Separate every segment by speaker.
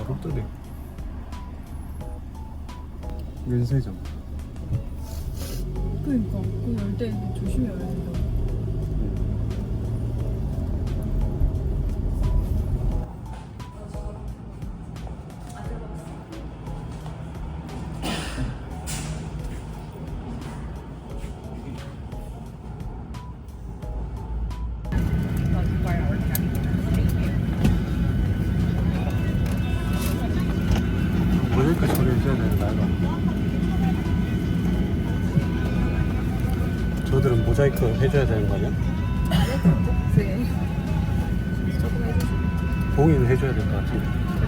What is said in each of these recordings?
Speaker 1: 족들이 면세점.
Speaker 2: 그러니까 그거 열때 조심해야 된다.
Speaker 1: 모자이크 처리 해줘야 되는 거 아이가? 저들은 모자이크 해줘야 되는 거 아니야?
Speaker 2: 네. 조금 해주세요.
Speaker 1: 봉이는 해줘야 될 것 같은데.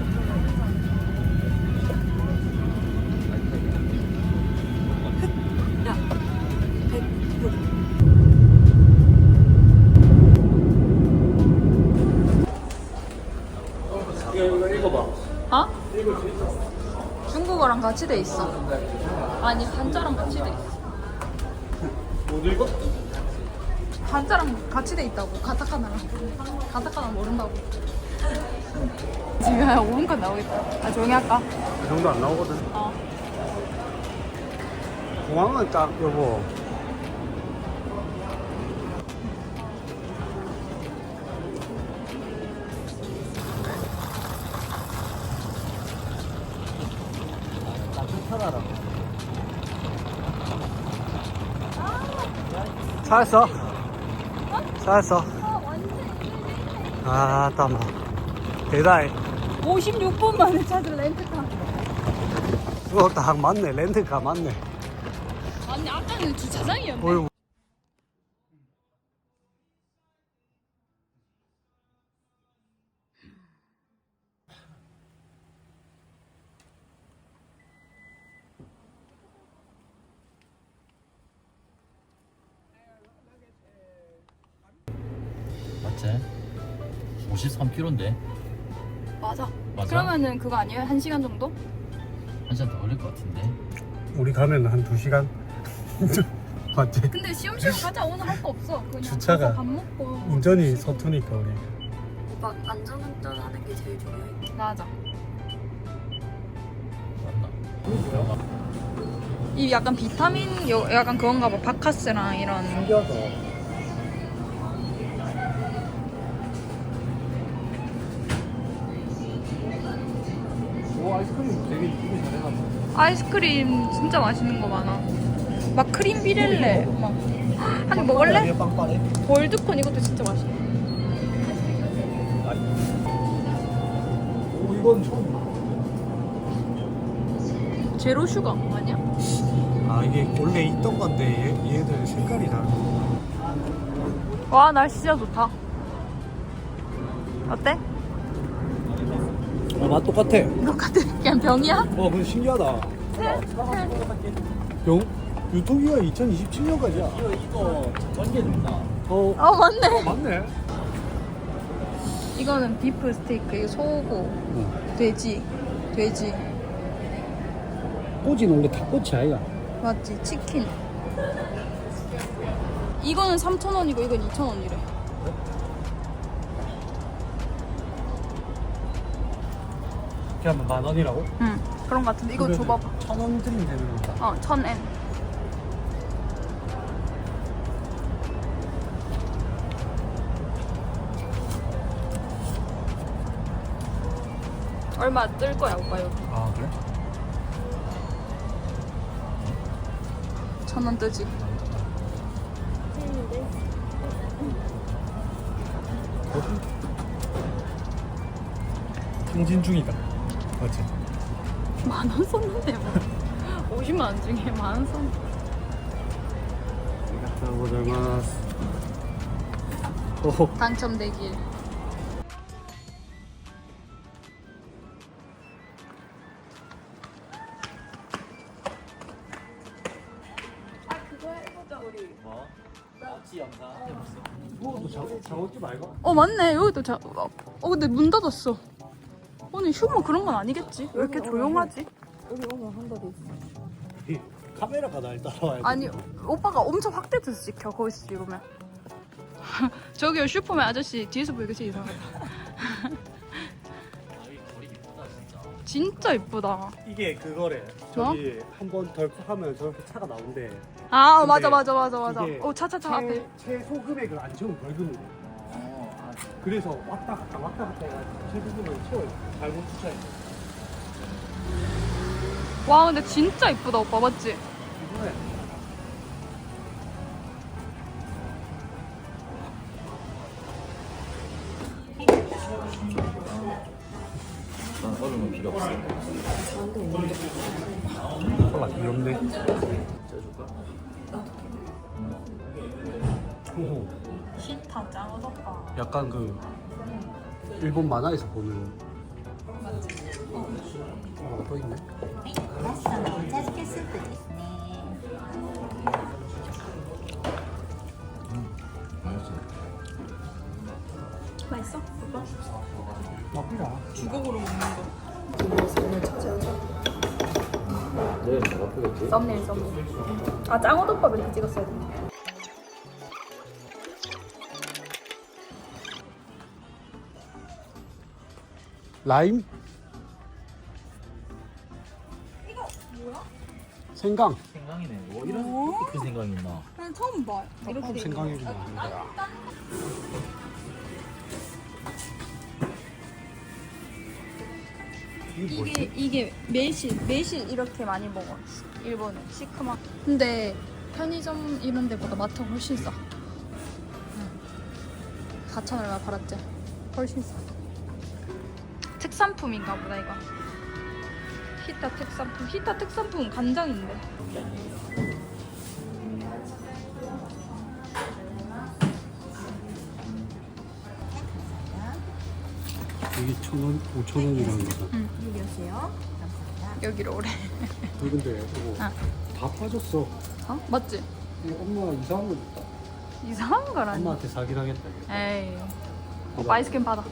Speaker 2: 야, 100불.
Speaker 1: 이거 읽어봐.
Speaker 2: 어? 중국어랑 같이 돼 있어. 아니 한자랑 같이 돼 있어.
Speaker 1: 못 읽어?
Speaker 2: 한자랑 같이 돼 있다고. 가타카나랑. 가타카나 모른다고. 지금 오른칸 나오겠다. 아 조용히 할까?
Speaker 1: 그 정도 안 나오거든.
Speaker 2: 어.
Speaker 1: 공항은 딱 여보. 살았어? 살았어? 아, 따마. 대단해.
Speaker 2: 56분 만에 찾은 렌트카.
Speaker 1: 이거 딱 맞네. 렌트카 맞네.
Speaker 2: 아니 아까는 주차장이었네.
Speaker 1: 어휴.
Speaker 3: 맞지? 53km인데
Speaker 2: 맞아.
Speaker 3: 맞아?
Speaker 2: 그러면은 그거 아니에요? 1시간 정도?
Speaker 3: 한 시간 더 걸릴 것 같은데.
Speaker 1: 우리 가면 한 2시간? 맞지?
Speaker 2: 근데 시험시험 가자. 오늘 할 거 없어. 그냥
Speaker 1: 주차가-
Speaker 2: 가서 밥 먹고.
Speaker 1: 운전이 서투니까 우리.
Speaker 4: 오빠 안전운전하는 게 제일 중요해.
Speaker 2: 맞아.
Speaker 3: 맞나?
Speaker 2: 이 약간 비타민 약간 그건가 봐. 바카스랑 이런.
Speaker 1: 신기하다. 오, 아이스크림 되게 이쁘게 잘해놨다.
Speaker 2: 아이스크림 진짜 맛있는 거 많아. 막 크림 비렐레 막. 한 개 먹을래?
Speaker 1: 빵빵해?
Speaker 2: 골드콘 이것도 진짜 맛있어.
Speaker 1: 오, 이건 처음.
Speaker 2: 제로 슈가 아니야?
Speaker 1: 아, 이게 원래 있던 건데 얘들 색깔이 다르다.
Speaker 2: 와 날씨 진짜 좋다. 어때?
Speaker 1: 맛 똑같아.
Speaker 2: 똑같아. 그냥 병이야?
Speaker 1: 와, 근데 신기하다. 병? 유통기한 2027년까지야.
Speaker 3: 이거 전개된다.
Speaker 2: 어 맞네.
Speaker 1: 맞네.
Speaker 2: 이거는 비프 스테이크, 이거 소고, 돼지.
Speaker 1: 꼬지는 원래 닭꼬치 아이가.
Speaker 2: 맞지? 치킨. 이거는 3,000원이고 이건 2,000원이래.
Speaker 1: 그냥 10,000원이라고?
Speaker 2: 응. 그런 거 같은데 이거 줘봐봐.
Speaker 1: 1,000원 드리면 되는 거다.
Speaker 2: 어, 1,000엔. 얼마 뜰 거야 오빠 여기.
Speaker 1: 아, 그래?
Speaker 2: 1,000원 뜨지.
Speaker 1: 승진 중이다. 맞지?
Speaker 2: 10,000원 썼는데 뭐. 50만 원 중에 10,000원 썼는데.
Speaker 1: 고자마스. 오,
Speaker 2: 당첨되길.
Speaker 3: 뭐? 마치 영상 해봤어.
Speaker 1: 뭐 장어집 말고?
Speaker 2: 어 맞네. 여기도 근데 문 닫았어. 오늘 휴무 그런 건 아니겠지? 왜 이렇게 조용하지?
Speaker 4: 여기 오면 한 번도 있어.
Speaker 1: 카메라가 날 따라와야 돼.
Speaker 2: 아니 오빠가 엄청 확대돼서 찍혀 거기서 찍으면. 저기요 슈퍼맨 아저씨 뒤에서 보니까 진짜 이상하다.
Speaker 3: 아, 이 거리 이쁘다 진짜.
Speaker 2: 진짜 이쁘다.
Speaker 1: 이게 그거래. 저기 한 번 덜컥 하면 저렇게 차가 나온대.
Speaker 2: 아
Speaker 1: 근데
Speaker 2: 맞아 맞아 맞아 맞아.
Speaker 1: 이게
Speaker 2: 차차차 앞에.
Speaker 1: 최소 금액을 안 채우면 벌금이래. 그래서 왔다 갔다 해가지고 최소 금액을 채워요. 잘못 주차해.
Speaker 2: 와 근데 진짜 이쁘다 오빠 맞지?
Speaker 1: 이거야.
Speaker 3: 난 얼음은 필요 없어.
Speaker 1: 아, 귀엽네.
Speaker 3: 쪄줄까?
Speaker 1: 호호.
Speaker 2: 히타 짱 어둡다.
Speaker 1: 약간 그 일본 만화에서 보는. 또 있네.
Speaker 5: ラッシャーのお茶漬けスープですね。
Speaker 2: 맛있어? 오빠?
Speaker 1: 나쁘다.
Speaker 2: 주걱으로 먹는 거.
Speaker 3: 내일 뭐 아프겠지?
Speaker 2: 썸네일. 아 짱어덮밥 이렇게 찍었어야 돼.
Speaker 1: 라임?
Speaker 2: 이거 뭐야?
Speaker 1: 생강.
Speaker 3: 생강이네. 뭐 이렇게 큰 생강이 있나?
Speaker 2: 난 처음 봐. 이렇게 돼 있는 거.
Speaker 1: 생강이구나. 이게 뭐지?
Speaker 2: 이게 매실 이렇게 많이 먹어. 일본은 시큼한. 근데 편의점 이런 데보다 마트가 훨씬 싸. 4,000원 얼마 팔았지? 훨씬 싸. 특산품인가 보다 이거. 히타 특산품. 히타 특산품은 간장인데.
Speaker 1: 이게 1,000원, 5,000원이라는 거잖아.
Speaker 5: 여기 오세요. 감사합니다.
Speaker 2: 여기로 오래.
Speaker 1: 근데 이거
Speaker 2: 아.
Speaker 1: 다 빠졌어.
Speaker 2: 어? 맞지?
Speaker 1: 이거 엄마 이상한 거 줬다.
Speaker 2: 이상한 거라니.
Speaker 1: 엄마한테 사긴 하겠다. 이거.
Speaker 2: 에이. 오빠 아이스크림 받아.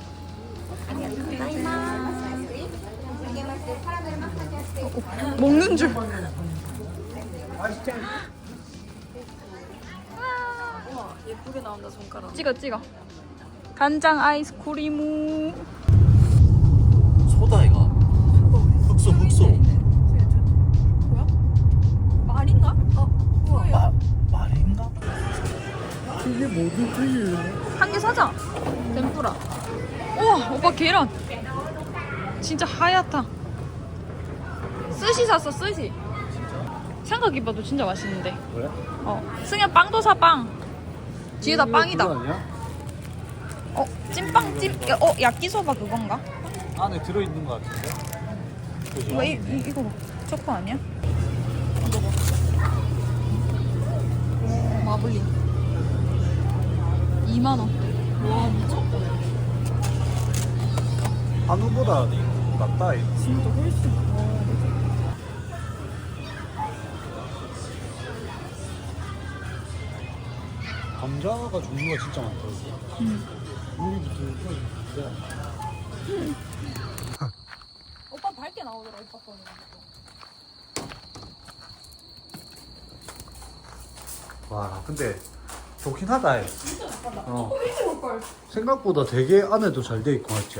Speaker 2: 먹는 줄.
Speaker 4: 예쁘게 나온다 손가락.
Speaker 2: 찍어. 간장 아이스크림.
Speaker 3: 소다 이가. 흑소.
Speaker 2: 뭐야? 말인가? 뭐예요?
Speaker 3: 말인가?
Speaker 1: 이게 뭐지?
Speaker 2: 한 개 사자. 덴푸라. 우와 오빠 계란. 진짜 하얗다. 스시 샀어 스시. 생각해봐도 진짜 맛있는데.
Speaker 1: 그래?
Speaker 2: 승현 빵도 사 빵. 뒤에다 빵이다.
Speaker 1: 그거 아니야?
Speaker 2: 찐빵 야끼소바 그건가?
Speaker 1: 안에 들어있는 거 같은데? 그죠?
Speaker 2: 이거 봐. 초코 아니야? 먹어. 마블링. 2만원. 와 미쳤다.
Speaker 1: 한우보다 낫다. 이거.
Speaker 2: 진짜 훨씬.
Speaker 1: 감자가 종류가 진짜 많다. 우리부터
Speaker 2: 오빠 밝게 나오더라 오빠 거는.
Speaker 1: 와, 근데 좋긴 하다. 얘.
Speaker 2: 진짜 나쁘다.
Speaker 1: 어.
Speaker 2: 일찍 올걸.
Speaker 1: 생각보다 되게 안에도 잘 돼 있고 맞지?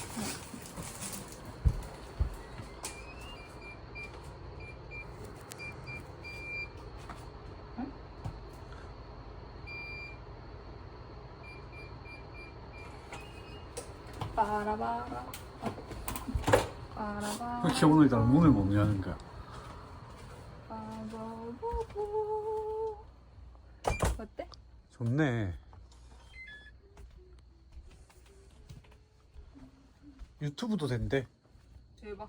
Speaker 2: 빠라바라. 빠라바라.
Speaker 1: 그렇게 오늘따라 문을 못 여는 거야.
Speaker 2: 빠바바보. 어때?
Speaker 1: 좋네. 유튜브도 된대.
Speaker 2: 대박.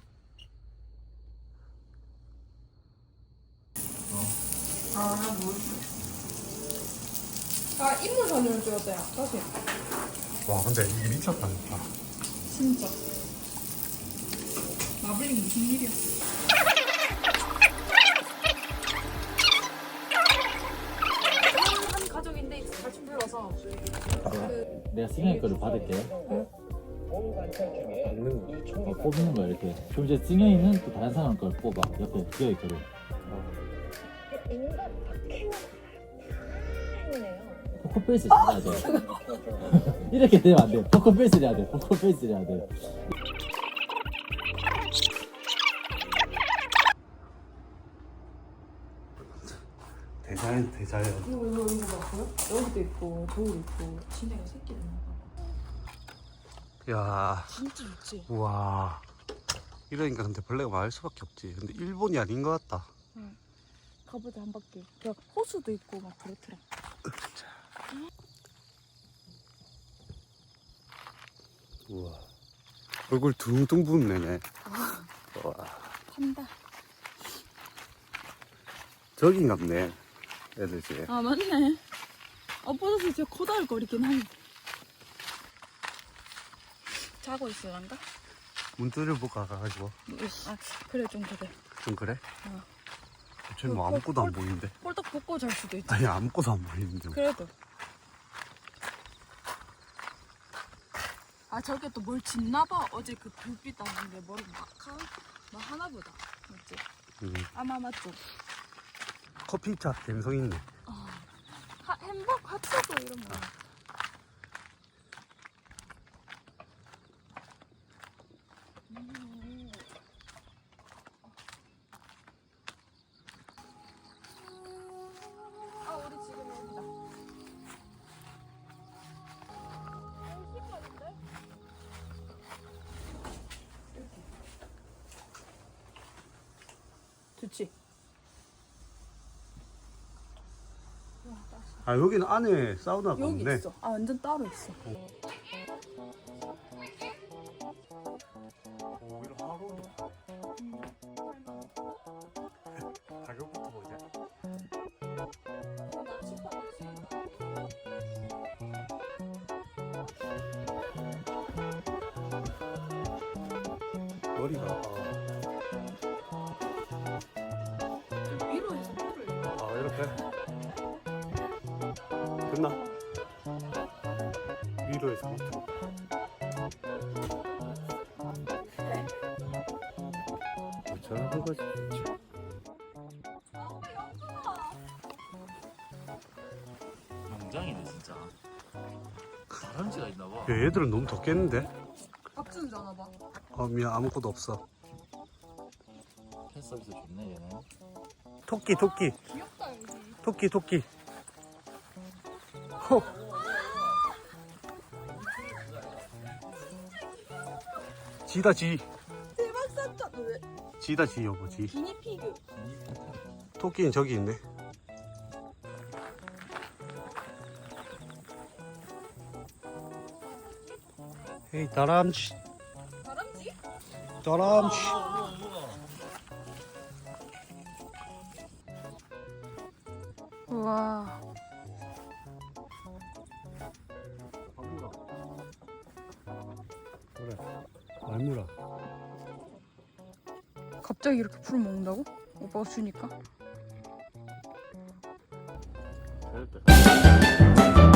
Speaker 2: 아 인물 사진을 찍었대요. 다시.
Speaker 1: 와, 근데 이게 미쳤다 진짜.
Speaker 2: 진짜. 마블링 무슨 일이야?
Speaker 4: 한 가족인데 같이 불러서
Speaker 3: 내가 승현이 거를 받을게. 뽑는 거야 이렇게. 그럼 이제 승현이는 또 다른 사람 걸 뽑아. 옆에 기어이 거를. 포커페이스 해야 돼. 이렇게 되면 안 돼. 포커페이스를 해야 돼. 포커페이스를 해야 돼.
Speaker 6: 대자연 대자연.
Speaker 4: 이거 봤어요? 여기도 있고 저기도 있고. 지네가 새끼를 낳아.
Speaker 6: 야,
Speaker 4: 진짜 좋지.
Speaker 6: 우와. 이러니까 근데 벌레가 많을 수밖에 없지. 근데 일본이 아닌 것 같다.
Speaker 2: 가보자 한 바퀴. 야 호수도 있고 막 그렇더라.
Speaker 6: 우와. 얼굴 둥둥 부은 애네. 와.
Speaker 2: 판다.
Speaker 6: 저긴갑네. 애들 집.
Speaker 2: 아 맞네. 엎어져서 진짜 코다을거리긴 하네. 자고 있을란가?
Speaker 6: 문 두드려 가가지고.
Speaker 2: 아 그래 좀 그래.
Speaker 6: 좀 그래?
Speaker 2: 어.
Speaker 6: 쟤는 뭐 아무것도 안 보이는데.
Speaker 2: 홀딱 벗고 잘 수도 있지.
Speaker 6: 아니 아무것도 안 보이는데.
Speaker 2: 그래도. 아 저게 또 뭘 짓나봐. 어제 그 불빛 나는데 머리 막하? 뭐 하나보다. 맞지? 아마 맞죠?
Speaker 6: 커피차 갬성 있네.
Speaker 2: 햄버거 핫도그 이런 거. 아 우리 지금 여기다.
Speaker 4: 좋지.
Speaker 6: 아 여기는 안에 사우나가
Speaker 2: 여기
Speaker 6: 없네.
Speaker 2: 있어. 아 완전 따로 있어.
Speaker 6: 오히려 하루. 가격부터 보자. 머리가
Speaker 2: 위로 해서 물을.
Speaker 6: 아 이렇게 됐나? 위로에서 밑으로. 저런 거지.
Speaker 3: 농장이네 진짜. 다람쥐가 있나봐.
Speaker 6: 야, 얘들은 너무 덥겠는데?
Speaker 2: 박준 전화 봐.
Speaker 6: 미안 아무것도 없어.
Speaker 3: 팬 서비스 좋네 얘는.
Speaker 6: 토끼 토끼
Speaker 2: 귀엽다 여기.
Speaker 6: 토끼 토끼. 호. 지다 지.
Speaker 2: 대박 산타. 왜?
Speaker 6: 지다 지 여보 지.
Speaker 2: 기니피그.
Speaker 6: 토끼는 저기 있네. 헤이 다람쥐.
Speaker 2: 다람쥐?
Speaker 6: 다람쥐.
Speaker 2: 우와.
Speaker 6: 그래. 말무라.
Speaker 2: 갑자기 이렇게 풀을 먹는다고? 오빠가 주니까?
Speaker 3: 잘했다.